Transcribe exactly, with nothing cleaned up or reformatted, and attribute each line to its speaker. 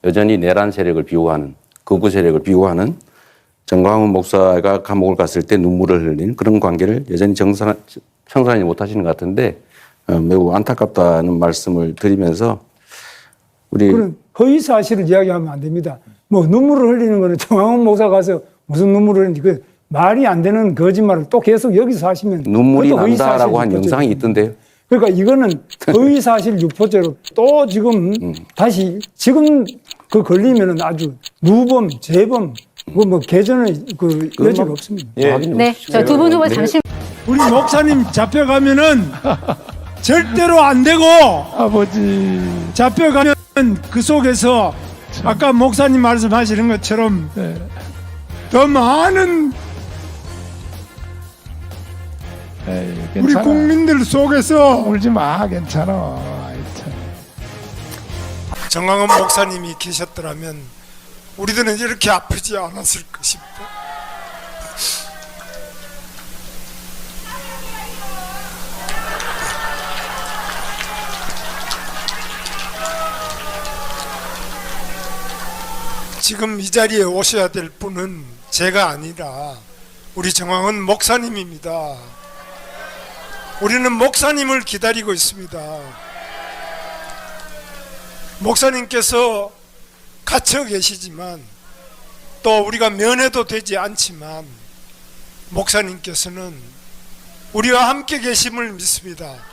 Speaker 1: 여전히 내란 세력을 비호하는, 극우 세력을 비호하는 정광훈 목사가 감옥을 갔을 때 눈물을 흘리는 그런 관계를 여전히 정상, 청산하지 못하시는 것 같은데 어, 매우 안타깝다는 말씀을 드리면서 우리
Speaker 2: 그런 허위 사실을 이야기하면 안 됩니다. 뭐 눈물을 흘리는 거는 정광훈 목사 가서 무슨 눈물을 흘리는지 그 말이 안 되는 거짓말을 또 계속 여기서 하시면
Speaker 1: 눈물이
Speaker 2: 그것도 허위 사실
Speaker 1: 난다라고 한
Speaker 2: 유포죄죠.
Speaker 1: 영상이 있던데요.
Speaker 2: 그러니까 이거는 허위사실 유포죄로 또 지금
Speaker 1: 음.
Speaker 2: 다시 지금 그 걸리면은 아주 누범, 재범, 뭐, 뭐 개전의 그 여지가 없습니다.
Speaker 1: 예.
Speaker 3: 네, 저 두 분 후보 잠시.
Speaker 4: 우리 목사님 잡혀가면은 절대로 안 되고
Speaker 5: 아버지.
Speaker 4: 잡혀가면 그 속에서 아까 목사님 말씀하시는 것처럼
Speaker 5: 네.
Speaker 4: 더 많은
Speaker 5: 에이,
Speaker 4: 우리
Speaker 5: 괜찮아.
Speaker 4: 국민들 속에서
Speaker 5: 울지 마. 괜찮아. 아이, 참.
Speaker 4: 정광훈 목사님이 계셨더라면 우리들은 이렇게 아프지 않았을 것입니다. 지금 이 자리에 오셔야 될 분은 제가 아니라 우리 정광훈 목사님입니다. 우리는 목사님을 기다리고 있습니다. 목사님께서 갇혀 계시지만 또 우리가 면회도 되지 않지만 목사님께서는 우리와 함께 계심을 믿습니다.